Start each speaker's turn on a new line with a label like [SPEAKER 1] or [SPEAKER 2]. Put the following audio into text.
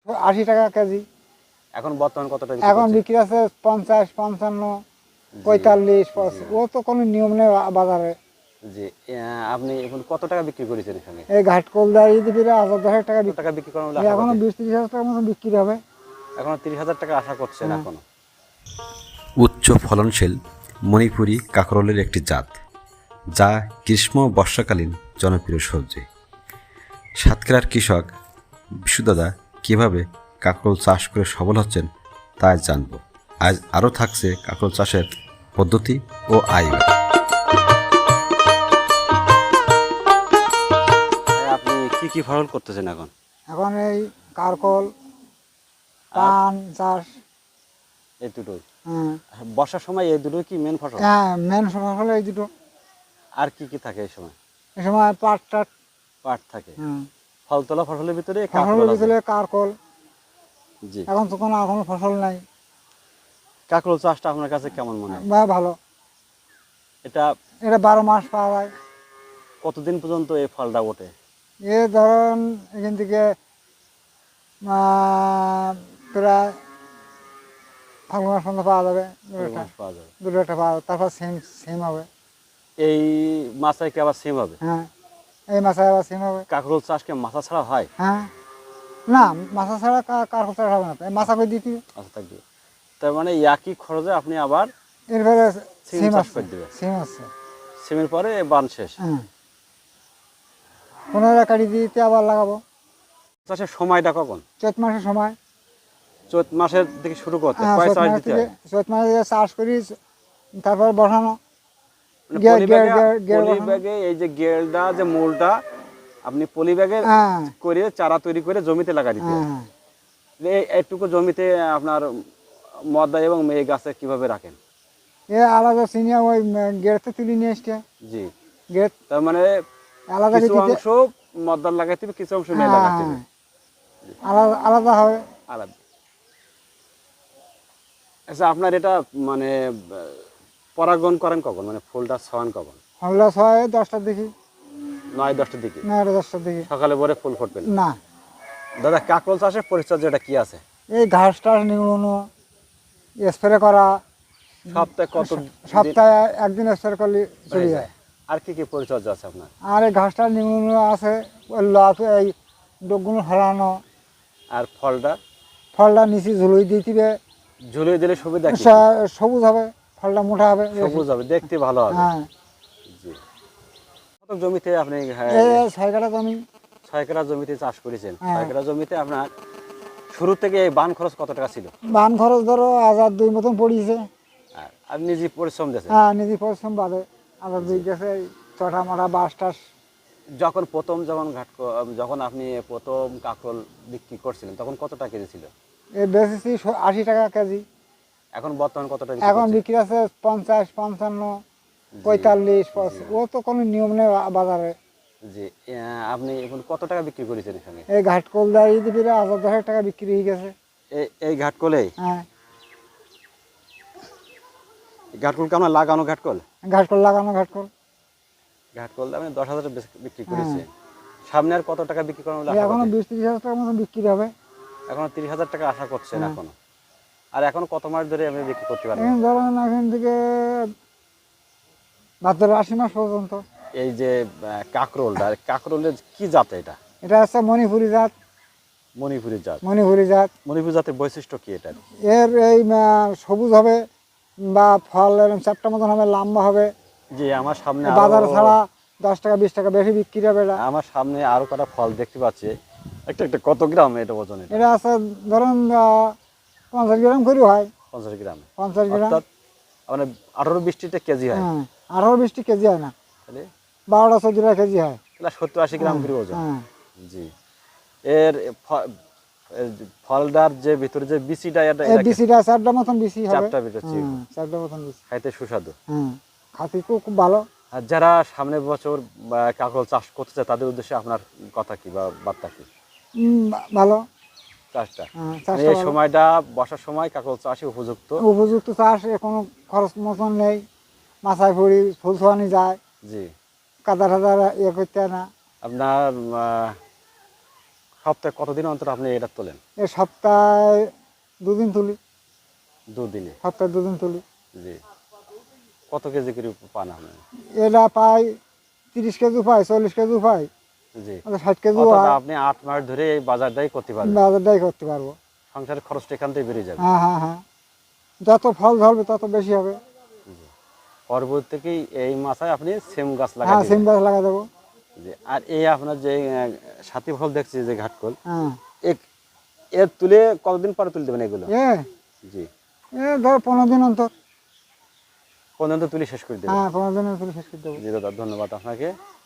[SPEAKER 1] 80 টাকা কেজি।
[SPEAKER 2] এখন বর্তমান কত টাকা
[SPEAKER 1] এখন বিক্রি আছে 50, 55, 45, 85। ও তো কোনো নিয়ম নেই বাজারে।
[SPEAKER 2] জি আপনি এখন কত টাকা বিক্রি করেছেন এখানে?
[SPEAKER 1] এই ঘাটকোলদা ঈদ ফিরে 1000-10 টাকা
[SPEAKER 2] টাকা বিক্রি করার মূল্য
[SPEAKER 1] এখনো 20-30 হাজার টাকার মতো বিক্রি হবে।
[SPEAKER 2] এখনো 30,000 টাকা আশা করছেন এখনো?
[SPEAKER 3] উচ্চ ফলনশীল মণিপুরি কাঁকরোলের একটি জাত, যা গ্রীষ্ম বর্ষাকালীন জনপ্রিয় সবজি। সাতক্ষীরার কৃষক বিশুদাদা কীভাবে কাঁকরোল চাষ করে সফল হচ্ছেন তা আজ জানব। আজ আরও থাকছে কাঁকরোল চাষের পদ্ধতি ও আয়।
[SPEAKER 2] আপনি কি কি ফসল করতেছেন এখন?
[SPEAKER 1] এখন এই কারকল, পান চাষ,
[SPEAKER 2] এই দুটোই?
[SPEAKER 1] হ্যাঁ
[SPEAKER 2] বর্ষার সময় এই দুটোই কি মেন ফসল?
[SPEAKER 1] হ্যাঁ মেন ফসল এই দুটো।
[SPEAKER 2] আর কি কি থাকে এই সময়?
[SPEAKER 1] এই সময় পাট টাট,
[SPEAKER 2] পাট থাকে।
[SPEAKER 1] হ্যাঁ
[SPEAKER 2] ফল তোলা ফসলের ভিতরে
[SPEAKER 1] ফসলের ভিতরে কারকল।
[SPEAKER 2] জি
[SPEAKER 1] এখন তো কোনো ফসল নাই।
[SPEAKER 2] কাঁকরোল চাষটা আপনার কাছে কেমন মনে হয়?
[SPEAKER 1] ভালো।
[SPEAKER 2] এটা
[SPEAKER 1] 12 মাস পাওয়া যায়।
[SPEAKER 2] কতদিন পর্যন্ত এই ফলটা ওঠে?
[SPEAKER 1] এ ধরেন এখান থেকে প্রায় ফাল্গুন মাস পর্যন্ত পাওয়া যাবে।
[SPEAKER 2] পাওয়া যাবে,
[SPEAKER 1] দুটো একটা পাওয়া যাবে, তারপর সেম হবে।
[SPEAKER 2] এই মাছায় কি আবার সিম হবে?
[SPEAKER 1] হ্যাঁ এই মাছে আবার সেম হবে।
[SPEAKER 2] কাঁকরোল চাষকে মাছা ছাড়া হয়?
[SPEAKER 1] হ্যাঁ না মাছা ছাড়া কারকল চাষ হবে না, মাছা করে দিতে
[SPEAKER 2] আচ্ছা থাকবে। তার মানে একই খরচে আপনি আবার
[SPEAKER 1] এরপরে
[SPEAKER 2] সিম
[SPEAKER 1] সিম
[SPEAKER 2] চাষ
[SPEAKER 1] আছে।
[SPEAKER 2] করে দেবেন।
[SPEAKER 1] সিম আছে।
[SPEAKER 2] সিমের পরে বান শেষ।
[SPEAKER 1] হ্যাঁ 15 কাটি দিতে আবার লাগাবো।
[SPEAKER 2] চাষের সময়টা কখন?
[SPEAKER 1] চৈত মাসের সময়।
[SPEAKER 2] চৈত মাসের থেকে শুরু করতে
[SPEAKER 1] হ্যাঁ
[SPEAKER 2] কয়
[SPEAKER 1] চৈত
[SPEAKER 2] চাষ
[SPEAKER 1] মাস
[SPEAKER 2] দিতে
[SPEAKER 1] থেকে
[SPEAKER 2] হয়?
[SPEAKER 1] চৈত মাসে চাষ করি, তারপর বসানো।
[SPEAKER 2] মানে
[SPEAKER 1] গের
[SPEAKER 2] পলি
[SPEAKER 1] গের
[SPEAKER 2] ব্যাগে,
[SPEAKER 1] গের
[SPEAKER 2] পলি
[SPEAKER 1] বসানো।
[SPEAKER 2] ব্যাগে এই যে গেলটা যে মূলটা আপনি পলি ব্যাগে
[SPEAKER 1] হ্যাঁ
[SPEAKER 2] করে চারা তৈরি করে জমিতে লাগা দিতে হয়।
[SPEAKER 1] হ্যাঁ
[SPEAKER 2] এইটুকু জমিতে আপনার মদ্দা এবং মেয়ে গাছে কিভাবে রাখেন?
[SPEAKER 1] এ আলাদা চিনিয়া ওই গেটতে তুলে নিয়ে এসছে।
[SPEAKER 2] জি
[SPEAKER 1] গেট
[SPEAKER 2] তার মানে
[SPEAKER 1] আলাদা
[SPEAKER 2] কিছু
[SPEAKER 1] দিতে
[SPEAKER 2] অংশ মদ্দার লাগাইতে হবে, কিছু অংশ মেয়ে লাগাতে হবে।
[SPEAKER 1] আলাদা আলাদা হবে।
[SPEAKER 2] আলাদা। আচ্ছা আপনার এটা মানে পরাগণ করেন কখন, মানে ফুলটা ছড়ান কখন?
[SPEAKER 1] হলো 6-10টার দিকে।
[SPEAKER 2] 9-10টার দিকে?
[SPEAKER 1] 9-10টার দিকে।
[SPEAKER 2] সকালে ভোরে ফুল ফুটবে না?
[SPEAKER 1] না
[SPEAKER 2] দাদা কাঁকরোল চাষের পরিচর্যাটা কি আছে?
[SPEAKER 1] এই ঘাস টাস নিগুলো স্প্রে করা,
[SPEAKER 2] সপ্তাহে কত
[SPEAKER 1] সপ্তাহে একদিন স্প্রে করলে চলে যায়।
[SPEAKER 2] আর কি কি পরিচর্যা আছে আপনার?
[SPEAKER 1] আর এই ঘাস টাস নিগুলো আছে, ওই লক এই ডোকগুলো হরানো।
[SPEAKER 2] আর
[SPEAKER 1] ফলটা নিচে ঝুলই দিয়ে দিবে,
[SPEAKER 2] ঝুলিয়ে দিলে সুবিধা কি?
[SPEAKER 1] সবুজ হবে, ফলটা মোটা হবে,
[SPEAKER 2] সবুজ হবে, দেখতে ভালো হবে।
[SPEAKER 1] হ্যাঁ
[SPEAKER 2] জি কত জমিতে আপনি
[SPEAKER 1] এই 6 কাঠা জমি।
[SPEAKER 2] 6 কাঠা জমিতে চাষ করেছেন?
[SPEAKER 1] হ্যাঁ।
[SPEAKER 2] 6 কাঠা জমিতে আপনার শুরু থেকে এই বান খরচ কত টাকা ছিল?
[SPEAKER 1] বান খরচ ধরো 1002 মতন পড়িয়েছে।
[SPEAKER 2] আর আপনি নিজে পরিশ্রম দিয়েছেন?
[SPEAKER 1] হ্যাঁ নিজে পরিশ্রম বাদে 1002 গেছে, চটা মাটা বাস টাস।
[SPEAKER 2] যখন যখন আপনি প্রথম কাঁকরোল বিক্রি করছিলেন তখন কত টাকা কেজি ছিল?
[SPEAKER 1] এ বেচেছি 80 টাকা কেজি।
[SPEAKER 2] এখন বর্তমান কত টাকা
[SPEAKER 1] এখন বিক্রি আছে 50, 55, 45, 85। ও তো কোনো নিয়ম নেই বাজারে।
[SPEAKER 2] জি আপনি এখন কত টাকা বিক্রি করেছেন এখানে?
[SPEAKER 1] এই ঘাটকোলদা ঈদ ফিরে 1000-10 টাকা বিক্রি হয়ে গেছে।
[SPEAKER 2] এই ঘাটকলে?
[SPEAKER 1] হ্যাঁ
[SPEAKER 2] ঘাটকলকে আমরা লাগানো ঘাটকল?
[SPEAKER 1] ঘাটকল লাগানো ঘাটকল।
[SPEAKER 2] ঘাটকল আপনি 10,000 বিক্রি করেছেন। সামনে আর কত টাকা বিক্রি করার
[SPEAKER 1] এখনো 20-30 হাজার টাকার মতো বিক্রি হবে।
[SPEAKER 2] এখনো 30,000 টাকা আশা করছেন এখনো? আর এখন কত মাস ধরে আপনি বিক্রি করতে পারবেন?
[SPEAKER 1] এখন ধরেন এখান থেকে ভাদ্র 80 মাস পর্যন্ত।
[SPEAKER 2] এই যে কাঁকরোলের কি জাত এটা?
[SPEAKER 1] এটা হচ্ছে মণিপুরি জাত।
[SPEAKER 2] মণিপুরি জাত?
[SPEAKER 1] মণিপুরি জাত।
[SPEAKER 2] মণিপুরি জাতের বৈশিষ্ট্য কি এটা?
[SPEAKER 1] এর এই সবুজ হবে বা ফল এরকম চারটা মতন হবে, লম্বা হবে।
[SPEAKER 2] জি আমার সামনে
[SPEAKER 1] বাজার ছাড়া 10 টাকা 20 টাকা বেশি বিক্রি হবে এটা।
[SPEAKER 2] আমার সামনে আরো কটা ফল দেখতে পাচ্ছি। একটা একটা কত গ্রাম এটা ওজন?
[SPEAKER 1] এটা আছে ধরুন 50 গ্রাম করে হয়।
[SPEAKER 2] 50 গ্রাম?
[SPEAKER 1] 50 গ্রাম
[SPEAKER 2] অর্থাৎ মানে 18-20টা কেজি হয়?
[SPEAKER 1] হ্যাঁ 18-20 কেজি হয় না,
[SPEAKER 2] তাহলে
[SPEAKER 1] 12-14 কেজি হয়।
[SPEAKER 2] 70-80 গ্রাম করে ওজন?
[SPEAKER 1] হ্যাঁ
[SPEAKER 2] জি এর ফলটার যে ভিতরে যে বিচিটা এটা
[SPEAKER 1] এই বিচিটা চারটা মতন বিচি হবে।
[SPEAKER 2] চারটা বেরোচ্ছে,
[SPEAKER 1] চারটা মতন বিচি,
[SPEAKER 2] খাইতে সুস্বাদু।
[SPEAKER 1] হ্যাঁ খাতি খুব ভালো।
[SPEAKER 2] আর যারা সামনের বছর কাঁকরোল চাষ করতে চায় তাদের উদ্দেশ্যে আপনার কথা কি বা বার্তা কি?
[SPEAKER 1] ভালো
[SPEAKER 2] চাষটা
[SPEAKER 1] চাষ
[SPEAKER 2] এই সময়টা বর্ষার সময় কাঁকরোল চাষে
[SPEAKER 1] উপযুক্ত চাষ, কোনো খরচ মতন নেই। মাথায় পড়ি ফুল ছোয়ানি যায়।
[SPEAKER 2] জি
[SPEAKER 1] কাদা টাদা ইয়ে করতে হয় না।
[SPEAKER 2] আপনার সপ্তাহে কতদিন অন্তর আপনি এটা তোলেন?
[SPEAKER 1] এ সপ্তাহে 2 দিন তুলি,
[SPEAKER 2] দুদিনে?
[SPEAKER 1] সপ্তাহে 2 দিন তুলি।
[SPEAKER 2] জি। কত কেজি করে পান আপনি?
[SPEAKER 1] এটা পাই 30 কেজি পাই, 40 কেজি পাই,
[SPEAKER 2] জি।
[SPEAKER 1] 60 কেজি
[SPEAKER 2] অর্থাৎ
[SPEAKER 1] হয়।
[SPEAKER 2] আপনি 8 মাস ধরে এই বাজারটাই করতে পারবেন।
[SPEAKER 1] বাজারটাই করতে পারবো।
[SPEAKER 2] সংসারের খরচটা এখান থেকে বেরিয়ে যাবে।
[SPEAKER 1] হ্যাঁ হ্যাঁ হ্যাঁ, যত ফল ধরবে তত বেশি হবে।
[SPEAKER 2] পরবর্তীতেই এই মাসায় আপনি সিম গাছ লাগাই
[SPEAKER 1] হ্যাঁ, সিম
[SPEAKER 2] দিবেন।
[SPEAKER 1] গাছ লাগা দেবো।
[SPEAKER 2] জি। আর এই আপনার যে সাথী ফল দেখছি যে ঘাটকল,
[SPEAKER 1] হ্যাঁ,
[SPEAKER 2] এর তুলে কতদিন পরে তুলে দেবেন এগুলো?
[SPEAKER 1] এ
[SPEAKER 2] জি।
[SPEAKER 1] এ ধর 15 দিন অন্তর।
[SPEAKER 2] পর্যন্ত তুলে শেষ করে দেবেন।
[SPEAKER 1] হ্যাঁ, 15 দিনের তুলি শেষ করে দেবো।
[SPEAKER 2] জি দাদা, ধন্যবাদ আপনাকে।